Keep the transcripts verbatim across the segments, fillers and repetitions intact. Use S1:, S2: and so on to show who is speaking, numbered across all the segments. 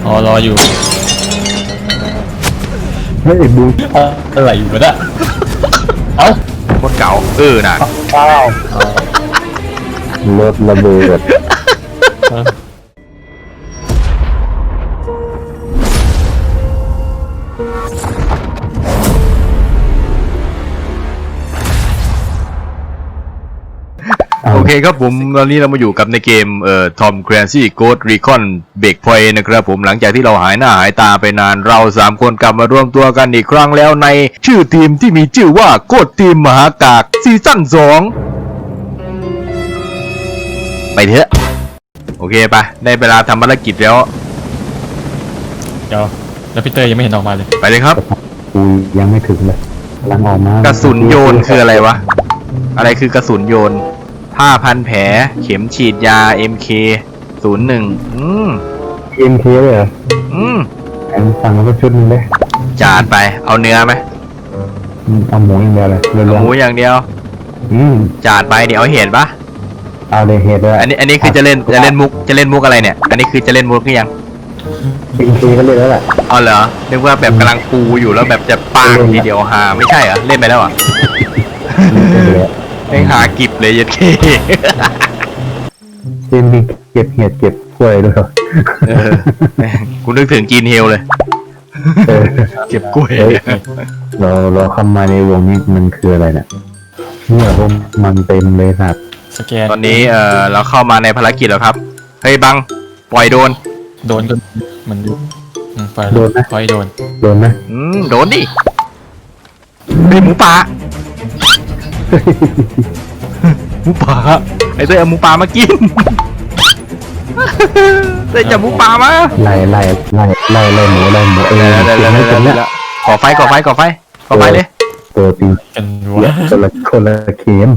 S1: อ๋อรออยู่
S2: เฮ้ยบู
S1: อะไรอยู่วะเนี่ยเอ้า
S3: โคตรเก่าเออน่ะ
S2: เป้าวรถระเบิด
S3: โอเคครับผมตอนนี้เรามาอยู่กับในเกมเอ่อ Tom Clancy Ghost Recon Breakpoint นะครับผมหลังจากที่เราหายหน้าหายตาไปนานเราสามคนกลับมารวมตัวกันอีกครั้งแล้วในชื่อทีมที่มีชื่อว่าโคตรทีมมหากากซีซั่นสองไปเถอะโอเคปะได้เวลาทำภารกิจแล้ว
S1: เดี๋ยวแล้วพี่เตยยังไม่เห็นออกมาเลย
S3: ไปเลยครับ
S2: กูยังไม่ถึงเลยกำลังออกมาก
S3: ระสุนโยนคืออะไรวะอะไรคือกระสุนโยนผ้าพันแผลเข็มฉีดยา เอ็ม เค ศูนย์หนึ่ง อืม
S2: เอ็มเคเลยเหรอ
S3: อืม
S2: แอมสั่งมาก็ชุดนึงเลย
S3: จานไปเอาเนื้อไหม
S2: เอาหมูอย่างเดียวเลย
S3: เอาหมูอย่างเดียว
S2: อืม
S3: จานไปเดี๋ยวเอาเห็ดปะ
S2: เอาเลยเห็ดด้วย
S3: อันนี้อันนี้คือจะเล่นจะเล่นมุกจะเล่นมุกอะไรเนี่ยอันนี้คือจะเล่นมุกหรือยัง
S2: เอ็มเคก็เล่นแล้วแหละ
S3: อ๋อเหรอนึกว่าแบบกำลังปูอยู่แล้วแบบจะปางทีเดียวฮาไม่ใช่เหรอเล่นไปแล้วอ่ะไอ้หากิบเลยยัดเค
S2: เล่นมีเก็บเห็ดเก็บกล้วยด้วย
S3: เออกูนึกถึงจีนเฮลเลยเก็บกล้วย
S2: เราเราเข้ามาในวงนี้มันคืออะไรเนี่ยเนี่ยพวกมันเต็มเลยครับ
S1: สแกน
S3: ตอนนี้เออเราเข้ามาในภารกิจแล้วครับเฮ้ยบังปล่อยโดน
S1: โดนก็มันดูปล่อย
S2: โดนนะ
S1: ปล่อยโดน
S2: โดนไหม
S3: อืมโดนดิเป็นหมูป่าหมูป่าไอ้เต้ยเอาหมูป่ามากินเต้ยจับหมูป่ามา
S2: ไล่ไล่ไล่ไล่ไล่หมูไล่หมูเออ
S3: เดี๋ยวเดี๋ยวเดี๋ยวเดี๋ยวขอไฟขอไฟขอไฟขอไฟเลย
S2: ตัวปี
S1: กัน
S2: วะคนละคนละเข็ม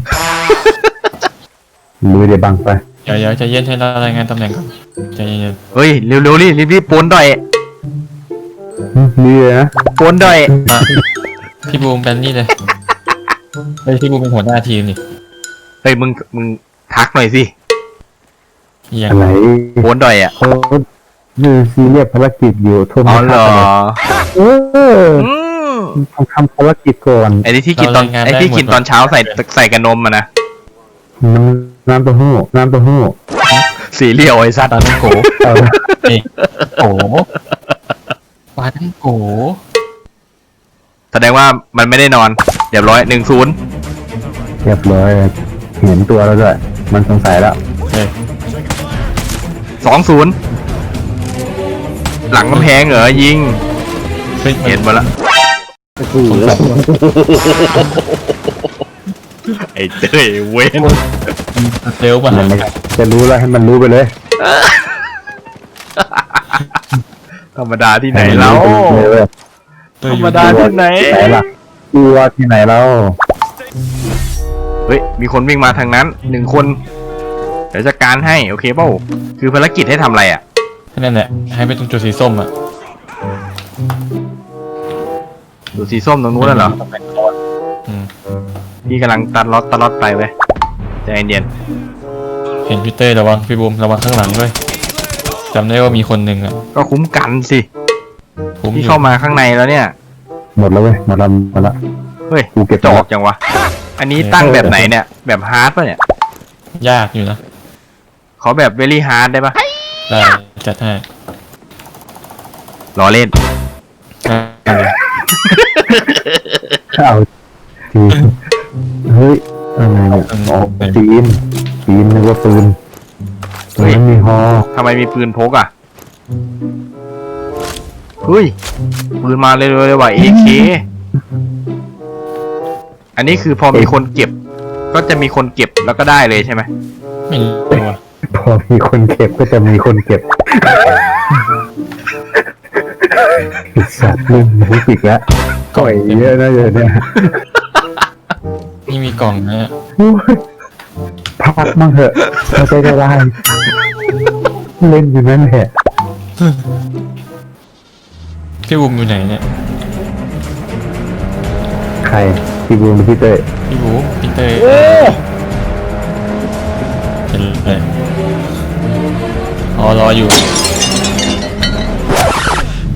S2: มือเดี๋ยวบังไป
S1: เดี๋ยวเดี๋ยวจะเย็นให้เรารายงานตำแหน่งก่อนใจเย็น
S3: เฮ้ยเร็วเร็วรีบรีบปนดอย
S2: นี่นะ
S3: ปนดอย
S1: พี่บูมเป็นนี่เลยเฮ้ยพี่บูมเป็นหัวหน้าทีมนี่
S3: เฮ้ยมึงมึงทักหน่อยสิ
S2: อะไร
S3: โพนดอยอ่ะ
S2: เขาดูซีเรียสภารกิจอยู่ทุ่ม
S3: อ๋อเหรอ
S2: เออทำทำภารกิจก่อน
S3: ไอ้ที่กินตอนไอ้ที่กินตอนเช้าใส่ใส่กับนมอ่ะนะ
S2: น้ำน้ำเต้าหู้น้ำเต้าหู้
S3: สีเหลียวไอ้สัตว์
S1: น้ำโกโกปลาทั้งโก
S3: แสดงว่ามันไม่ได้นอนเรียบร้อยหนึ่งศูนย์
S2: เรียบร้อยเห็นตัวแล้วด้วยมันสงสัยแล้ว
S3: สองศูนย์หลังกำแพงเหรอยิงเห็นมาละไอ้เต้ยเว้น
S1: เร็วป่ะ
S2: จะรู้แล้วให้มันรู้ไปเลย
S3: ธรรมดาที่ไหนแล้วธรรมดาที่ไหน
S2: ล่ะตัวที่ไหนแล้ว
S3: เฮ้ยมีคนวิ่งมาทางนั้นหนึ่งคนเดี๋ยวจัดการให้โอเคเปล่าคือภารกิจให้ทำอะไรอ่ะ
S1: นั่นแหละให้ไปตรงจุดสีส้มอ่ะ
S3: จุดสีส้มตรงนู้นน่ะเหรอพี่กำลังตัดล็อตตัดล็อตไปเว้ยใจเย็น
S1: เห็นพี่เต้ระวังพี่บูมระวังข้างหลังด้วยจำได้ว่ามีคนหนึ่งอ่ะ
S3: ก็คุ้มกันสิพี่เข้ามาข้างในแล้วเนี่ย
S2: หมดแล้วเว้ยหมดแล้วหมดแล้ว
S3: เฮ้ยกูเก็บจอกจังวะอันนี้ตั้งแบบไหนเนี่ยแบบฮาร์ดป่ะเนี่ย
S1: ยากอยู่นะ
S3: ขอแบบเวลี่ฮาร์ดได้ปะ
S1: ได้จัดให้
S3: รอเล่น
S2: เอาจีนเฮ้ยอะไรเนี่ยอ๋อจีนจีนนึกว่าปืนเฮ้ยมีฮอ
S3: ทำไมมีปืนพกอ่ะเฮ้ยปืนมาเลยเลยว่ะ เอ เค อันนี้คือพอมีคนเก็บก็จะมีคนเก็บแล้วก็ได้เลยใช่ไหม
S1: ไม่รู้
S2: พอมีคนเก็บก็จะมีคนเก็บสัตว์มึงรู้สึกแล้วก่อยเยอะนะเยอะเนี่ย
S1: นี่มีกล่องนะ
S2: พักมั่งเถอะเราจะได้ได้เล่นอยู่นั่นแหละ
S1: พี่บูมอยู่ไหนเนี่ย
S2: ใครพี่บูมพี่เต้
S1: พี่บูมพี่เต้เห็นเลยอ๋อรออยู่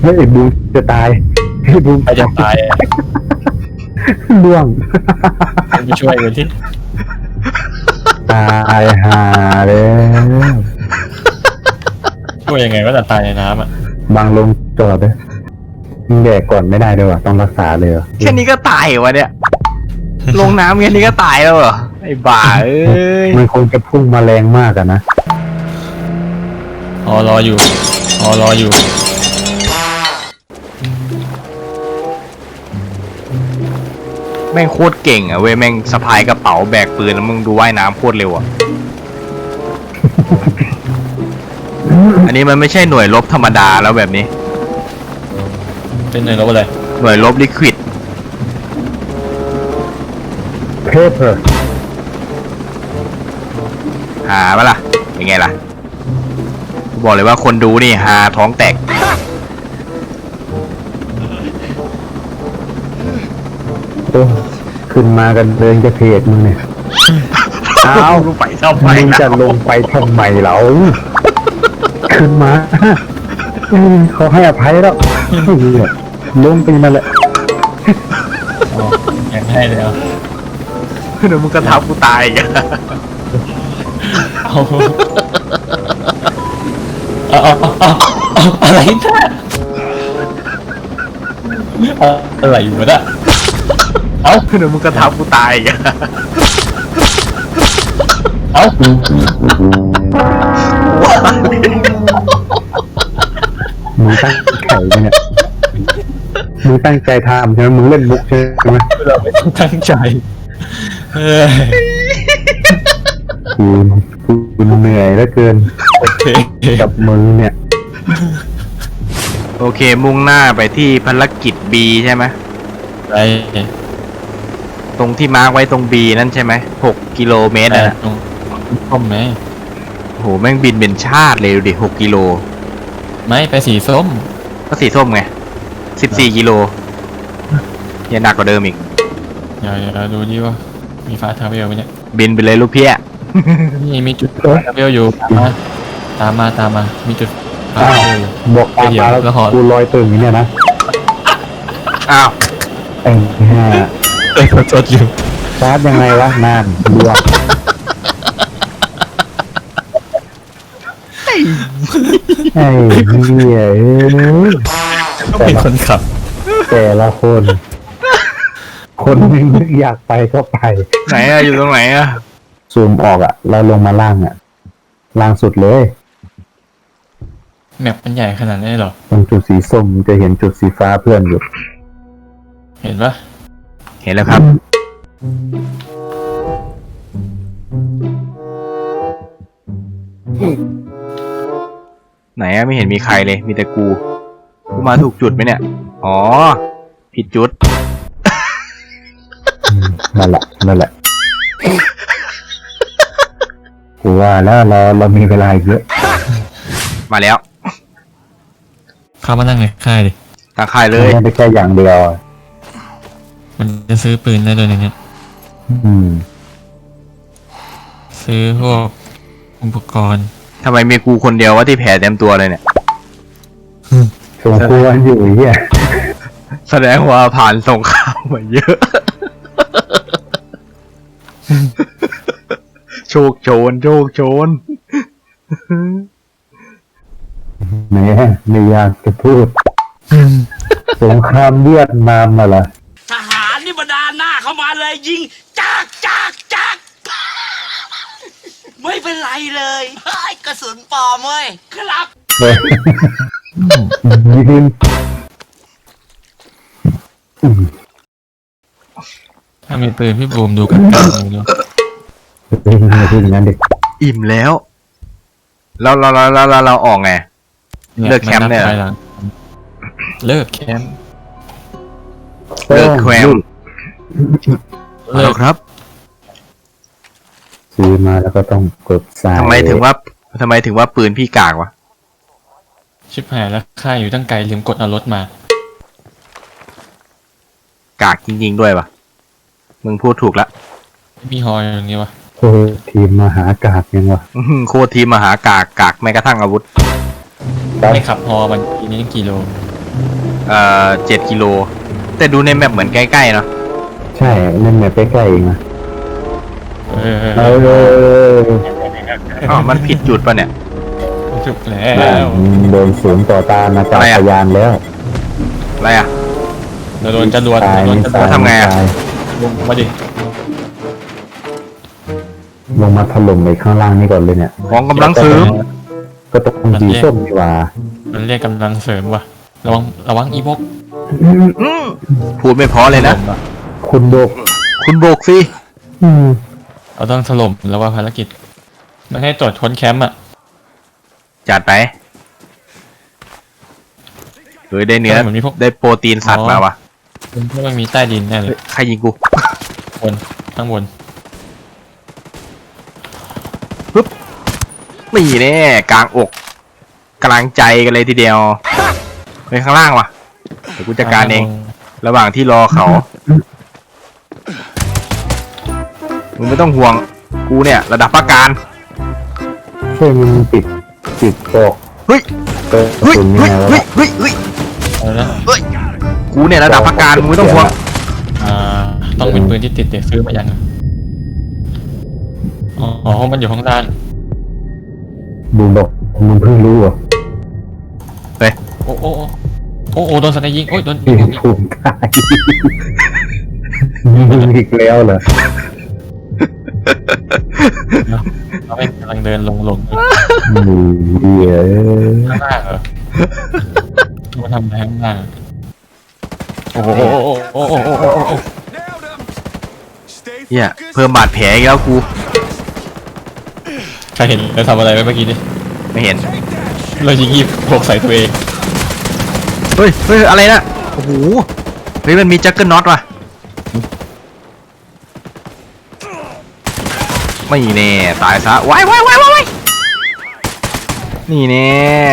S2: เฮ้ยบูมจะตายเฮ้ยบูม
S1: ใครจะตายอะ
S2: ล่วง
S1: ไปช่วยกันที่
S2: ตายหาแล้ว
S1: ช่วยยังไงว่าจะตายในน้ำอ่ะ
S2: บางลงจอดเลยมึงแดกก่อนไม่ได้ด้วยวะต้องรักษาเลยเหรอ
S3: แค่นี้ก็ตายเหรอวะเนี่ย ลงน้ำแค่นี้ก็ตายแล้วเหรอไอ้บ้าเอ้ย
S2: มันคงจะพุ่งมาแรงมากอะนะ
S1: อ๋อรออยู่อ๋อรออยู่
S3: แม่งโคตรเก่งอ่ะเว้ยแม่งสะพายกระเป๋าแบกปืนแล้วมึงดูว่ายน้ำโคตรเร็วอ่ะ อันนี้มันไม่ใช่หน่วยรบธรรมดาแล้วแบบนี้
S1: เป็นหน่วยรบอะไร
S3: หน่วยรบลิควิด
S2: paper
S3: หาปะล่ะเป็นไงล่ะกูบอกเลยว่าคนดูนี่หาท้องแตก
S2: โอ้ขึ้นมากันเดินจะเพจมึงเนี่ย
S3: อ้าวกูไปชอบไป
S2: มึง
S3: นะ
S2: จะลงไปทำไมเหรอขึ้นมาเออเขาให้อภัยแล้วเหี้ยลงไปนั่นแหละ
S1: อ๋อยังให้เลยเหรอ
S3: เดี๋ยวมึงกระทับกูตายอีกอะ
S1: เอาเอาเอาเอาเอาอะไรนะเอาอะไรอยู่วะเนี่ยเอา
S3: เดี๋ยวมึงกระทับกูตายอีกอะ
S1: เอา
S2: มึงตั้งไข่ไปเนี่ยมึงตั้งใจทำใช่ไหมมึงเล่นมุกใช่ไหม
S1: เราไม่ต้องตั้งใจเฮ้ย
S2: กูกูเหนื่อยเหลือเกิน
S1: โอเค
S2: กับมึงเนี่ย
S3: โอเคมุ่งหน้าไปที่ภารกิจ B ใช่ไหม
S1: ไป
S3: ตรงที่มาร์กไว้ตรง B นั่นใช่ไหมหกกิโลเมตร
S1: แต่
S3: นะ
S1: ตรงส้มไหม
S3: โอ้โหแม่งบินเป็นชาติเลยดูดิหกกิโล
S1: ไม่ไปสีส้ม
S3: ก็สีส้มไงสิบสี่กิโลยังหนักกว่าเดิมอีก
S1: เดี๋ยวเดี๋ยวดูดิว่ามีฟ้าทาเวลไหมเนี่ย
S3: บินไปเลยลูกเพี้ย
S1: นี่มีจุดฟ้าทาเวลอยู่ตามมาตามมาตามมามีจุดฟ้าทาเวลอยู่
S2: บอกตามมาแล้ว
S1: แล้วขอ
S2: กูลอยตึงอย่างเนี่ยนะ
S3: อ้าว
S2: ไอ้ห่า
S1: เอ้ยขอโทษอยู่
S2: ชาร์จยังไงวะนานดวงไอ้เหี้ยเอ้ย
S1: ก็เป็นคนขับ
S2: แต่ละคน คนหนึงนึกอยากไปก็ไป
S3: ไหนอะอยู่ตรงไหนอะ
S2: ซูมออกอะเราลงมาล่างอะล่างสุดเลย
S1: แมปมันใหญ่ขนาดนี้เหรอ
S2: ตรงจุดสีส้มจะเห็นจุดสีฟ้าเพื่อนอยู่
S1: เห็นปะ
S3: เห็นแล้วครับ ไหนอะไม่เห็นมีใครเลย มีแต่กู กูมาถูกจุดไหมเนี่ย อ๋อ ผิดจุด
S2: อืมนั่นแหละนั่นแหละกูว่าแล้วเราเรามีเวลาอีกเยอะ
S3: มาแล้ว
S1: เข้ามานั่งในค่ายดิ
S3: ทางค่ายเลย
S2: ไม่ได้แค่อย่างเดียวอะ
S1: มันจะซื้อปืนได้ด้วยในเนี้ย
S2: อืม
S1: ซื้อพวกอุปกรณ์
S3: ทำไมมีกูคนเดียวว่าที่แผลเต็มตัวเลยเนี่ย
S2: สมควรอยู่ไอ้เหี้ย
S3: แสดงว่าผ่านสงครามมาเยอะ โชคโชน โชคโชน
S2: แหมไม่อยากจะพูด สงครามเวียดนามมาละ
S4: ทหารนี่บรรดาหน้าเข้ามาเลยยิงจากจากจากไม่เป็นไรเลยเฮ้ยกระสุนปลอมเว้ยครับ
S2: เฮ้ยยิง
S1: ถ้ามีปืนพี่บูมดูกันกันดูดู
S2: ยิงอย่าพูดอย่างนั้นดิ
S3: อิ่มแล้ว เราเราเราเราเราเราออกไง เลิกแคมป์เนี่ย
S1: าบถอหลังเลิกแคมป์
S3: เลิกแคมป์
S1: เลิ
S3: เอา
S1: ก
S3: ครับ
S2: ซื้อมาแล้วก็ต้องกดสาย
S3: ทำไมถึงว่าทำไมถึงว่าปืนพี่กากวะ
S1: ชิบหายแล้วค่ายอยู่ตั้งไกลลืมกดเอารถมา
S3: กากจริงๆด้วยปะมึงพูดถูกละ
S1: ไม่มีฮออย่างนี้วะ
S2: โอ้ยทีมมหากาบยังวะ
S3: อื้อหือโคตรทีมมหากากกากแม้กระทั่งอาวุธ
S2: ครับ
S1: ไม่ขับฮอมันทีนี้กี่โล
S3: เอ่อเจ็ดกิโลแต่ดูในแมปเหมือนใกล้ๆเนาะ
S2: ใช่เล่นแบบใกล้ๆเองนะ
S1: เออ
S2: เออ
S3: อ๋อมันผิดจุดปะเนี่ย
S1: จุกแล้
S2: แล้ว วโดนสวนต่อตาอาจารย์พยานแล้ว
S3: อะไรอ่ะ
S1: เราโดนจรวด
S2: ตาย
S1: โดน
S2: นี่
S1: จร
S2: ตา
S1: วย ด
S3: ทำไงอะ
S2: ตาย
S1: ลงมาดิ
S2: ลงมาถล่มไปข้างล่างนี่ก่อนเลยเนี่ย
S3: ของกำลังซื้อ
S2: ก็ต้องสีส้มนี่หว่า
S1: มันเรียกกำลังเสริมว่ะระวังระวังอีบก
S3: อืมพูดไม่พอเลยนะ
S1: ถล่ม
S2: คุณโบก
S3: คุณโบกสิ
S2: อืม
S1: เราต้องถล่มแล้วว่าภารกิจไม่ให้ตรวจค้นแคมป์อ่ะ
S3: จัดไปเฮ้ยได้เนื้อ
S1: เหมือนมีพวก
S3: ได้โปรตีนสัตว์มาวะ
S1: มันพวกมันมีใต้ดินแน่เล
S3: เฮ้
S1: ย
S3: ยใครยิงกู
S1: บนข้างบน
S3: ไม่แน่กลางอกกลางใจกันเลยทีเดียวไปข้างล่างวะเดี๋ยวกูจัดการเอง ระหว่างที่รอเขามึงไม่ต้องห่วงกูเนี่ยระดับประการ
S2: ช่วยมึงปิดปิดกอก
S3: เฮ้ย
S2: เปิด
S3: เฮ้ย
S2: คุณนี่
S3: เฮ้ย
S2: ไงวะ
S3: เฮ้ยเฮ้ยเฮ้ย
S1: เอาละ
S3: เฮ้ยกูเนี่ยระดับประการมึงไม่ต้องห่วง
S1: อ่าต้องเป็นปืนที่ติดเดี๋ยวซื้อมายังอ๋ออ๋อมันอยู่ข้างล่าง
S2: บูมบอกมึงเพิ่งรู้เหรอ
S1: โอ้โอ้โอ้โอ้โอ้โดนสไนยิงโอ้ยโดนยิ
S2: ที่
S1: งยิง
S2: ภูมิใจมึงอีกแล้วเหรอ
S1: เราไม่กำลังเดินลงลง
S2: มึงเหี้ย
S1: ข้างล่างเหรอมันทำอะไรข้างล่างโอ้โหโอ้โหโอ้โหโอ้โหโอ้โห
S3: เฮียเพิ่มบาดแผลอีกแล้วกู
S1: ใครเห็นเราทำอะไรไปเมื่อกี้นี่
S3: ไม่เห็น
S1: เรายิงยีบหกใส่ตัวเอง
S3: เฮ้ยเฮ้ยอะไรนะโอ้โหเฮ้ยมันมีแจ็คเกิลน็อตว่ะไม่แน่ตายซะว้ายว้ายว้ายว้ายนี่แน่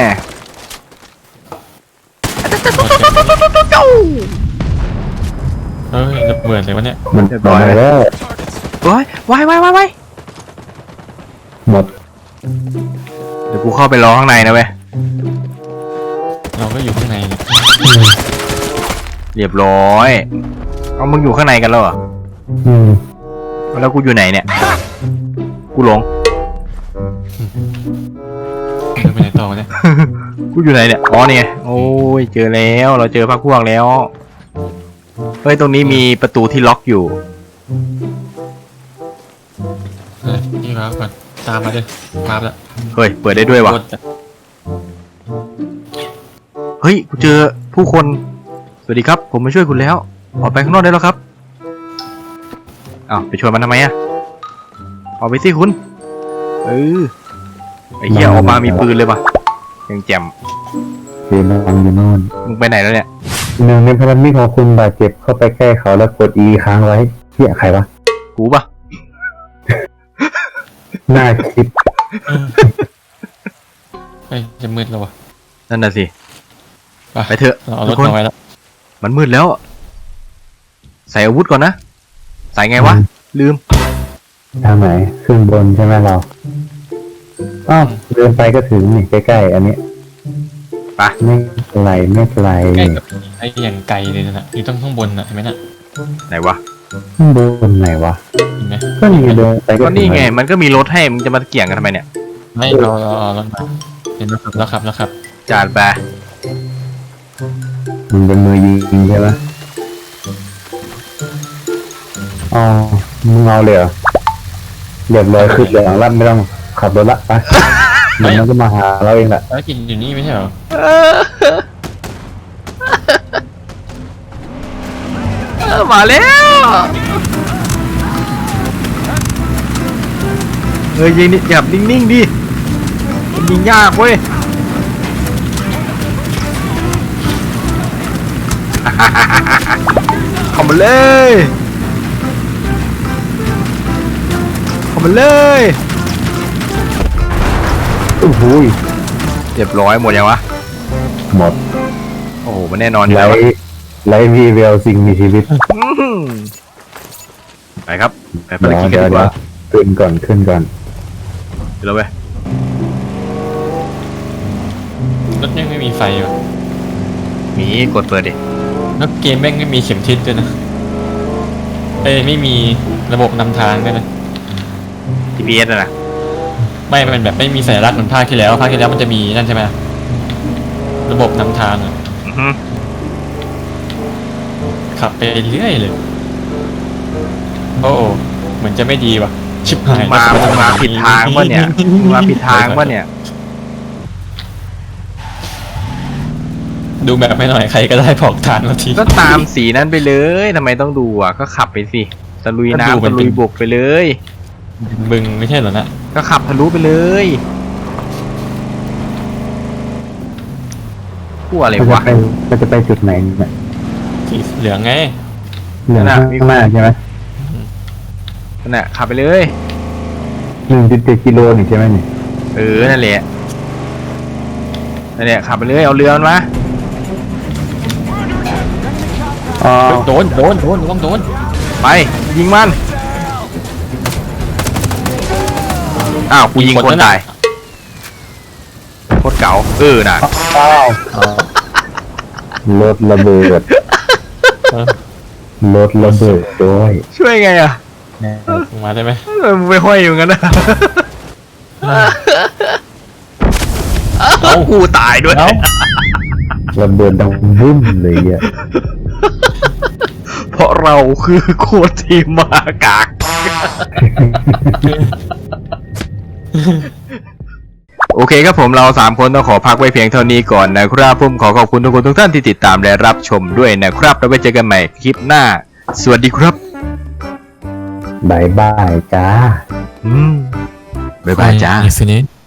S1: เฮ้ยระเบิดเลยวะเนี่ย
S2: มัน
S3: เรียบร้อย
S2: มาแล้ว
S3: ว้ายว้ายว้ายว้ายว้าย
S2: หมด
S3: เดี๋ยวกูเข้าไปรอข้างในนะเว้ย
S1: เราก็อยู่ข้างในเนี่ย
S3: เรียบร้อยเอามึงอยู่ข้างในกันแล้วเหรอ
S2: อืม
S3: แล้วกูอยู่ไหนเนี่ยกูหลง
S1: เดินไปไหนต่อวะเนี่ย
S3: กูอยู่ไหนเนี่ยอ๋อเนี่ยโอ้ยเจอแล้วเราเจอพรรคพวกแล้วเฮ้ยตรงนี้มีประตูที่ล็อกอยู่
S1: เฮ้ยนี่มาก่อนตามมาเลยมาแล้ว
S3: เฮ้ยเปิดได้ด้วยวะ
S1: รถอะ
S3: เฮ้ยกูเจอผู้คนสวัสดีครับผมมาช่วยคุณแล้วออกไปข้างนอกได้แล้วครับอ้าวไปชวนมันทำไมอะออกไปสิคุณเออไอ้เหี้ยออกมามีปืนเลยปะยังแจ่ม
S2: เสียงดังอยู่โน่น
S3: มึงไปไหนแล้วเนี่ย
S2: หนึ่งในพันธมิตรของคุณบาดเจ็บเข้าไปใกล้เขาแล้วกด E ค้างไว้เหี้ยใครวะ
S3: กูปะ
S2: น่าคิด
S1: เฮ้ยจะมืดแล้ววะ
S3: นั่นน่ะสิ
S1: ไป
S3: ไปเถอะ
S1: เราเอาร
S3: ทุ
S1: ถ
S3: กคน
S1: มาไว้แล้ว
S3: มันมืดแล้ว ใส่อาวุธก่อนนะใส่ไงวะลืม
S2: ทางไหนขึ้นบนใช่ไหมเราอ้าวเดินไปก็ถึงนี่ใกล้ๆอันนี้
S3: ไป
S2: ไม่เป็นไรไม่เป็นไร
S1: ใกล้กับไอ้อย่างไกลเลยนะอยู่ต้องข้างบนน่ะเห็นไหมน่ะ
S3: ไหนวะ
S2: ข้างบนไหนวะ
S1: เห็นไหม
S2: ก็นี่เดินไปก็
S3: ก็
S2: ถึ
S3: นี่
S2: ง
S3: ไง
S2: แล้ว
S3: มันก็มีรถให้มึงจะมาเกี่ยงกันทำไมเนี่ย
S1: ไม่เราเราเอารถมาเห็นแล้วครับแล้วครับแล้วครับ
S3: จาดไป
S2: มึงเป็นมือยิงใช่ไหมอ๋อมึงเอาเลยเหรอเรียบร้อยขึ้นเลยหลังรับไม่ต้องขับรถละไปเดี๋ยวมันก็มาหาเราเองแหละ
S1: แล้วกินอยู่นี่ไม่ใช่เหรอ
S3: เออมาแล้วเฮ้ยยิงนี่แบบนิ่งๆดิมันยิงยากเว้ย เข้ามาเลยเข้ามาเลย
S2: โอ้โห
S3: เรียบร้อยหมดยังวะ
S2: หมด
S3: โอ้โหมันแน่นอนอยู่
S2: ไล
S3: แล้ววะ
S2: ท์ไลท์วีเวลสิ่งมีชีวิต
S3: อื้อหือไปครับไปภาร
S2: เดี๋ยว
S3: กิจกัน
S2: เดี๋ยว
S3: ดีก
S2: เดี๋ย
S3: ว่าว
S2: ขึ้นก่อนขึ้นก่อน
S3: เดี๋ยวเราไป
S1: รถยังไม่มีไฟวะ
S3: มีกดเปิดดิ
S1: แล้วเกมแม่งไม่มีเข็มทิศด้วยนะเอ้ยไม่มีระบบนำทางด้วยนะ
S3: จี พี เอส อะนะ
S1: ไม่มันแบบไม่มีสัญลักษณ์เหมือนภาคที่แล้วภาคที่แล้วมันจะมีนั่นใช่ไหมระบบนำทางอะ
S3: อือฮึ
S1: ขับไปเรื่อยเลยโอ้โหเหมือนจะไม่ดีว่ะชิบหาย
S3: มามึงมาผิดทางปะเนี่ยมึงมาผิดทางปะเนี่ย
S1: ดูแบบไม่หน่อยใครก็ได้บอกทางเราที
S3: ก็ตามสีนั้นไปเลยทำไมต้องดูอ่ะก็ขับไปสิตะลุยน้ำตะลุยบกไปเลย
S1: บึงไม่ใช่เหรอนะ
S3: ก็ขับทะลุไปเลยพูดอะไร
S2: ก็จะ
S3: วะ
S2: ไปก็จะไปจุดไหนเนี่ย
S1: สีเหลืองไง
S2: เหลืองข้างหน้าใช่ไหม
S3: นั่นแหละขับไปเลย
S2: หนึ่งจุดเจ็ดกิโลนี่ใช่ไหมนี่
S3: เออนั่นแหละนั่นแหละขับไปเลยเอาเรือมันมา
S2: อ๋อ
S1: โดนโดนโดนระวังโดน
S3: ไปยิงมันอ้าวกูยิงคนตายโคตรเก๋าเออน่ะ
S2: อ้าวรถระเบิด
S1: เออ
S2: รถระเบิดด้วย
S3: ช่วยไงอ่ะ
S1: ลงมาได้ไหม
S3: เออมึงไปห้อยอยู่งั้นนะ
S1: เอ้า
S3: กูตายด้วย
S1: เอ้า
S2: ระเบิดดังบึ้มเลยอ่ะ
S3: เพราะเราคือโคตรทีมมากาก โอเคครับผมเราสามคนต้องขอพักไว้เพียงเท่านี้ก่อนนะครับผมขอขอบคุณทุกคนทุกท่านที่ติดตามและรับชมด้วยนะครับแล้วไว้เจอกันใหม่คลิปหน้า สวัสดีครับ
S2: บายบายจ้า
S3: อืมบ๊ายบายจ้า
S1: Infinite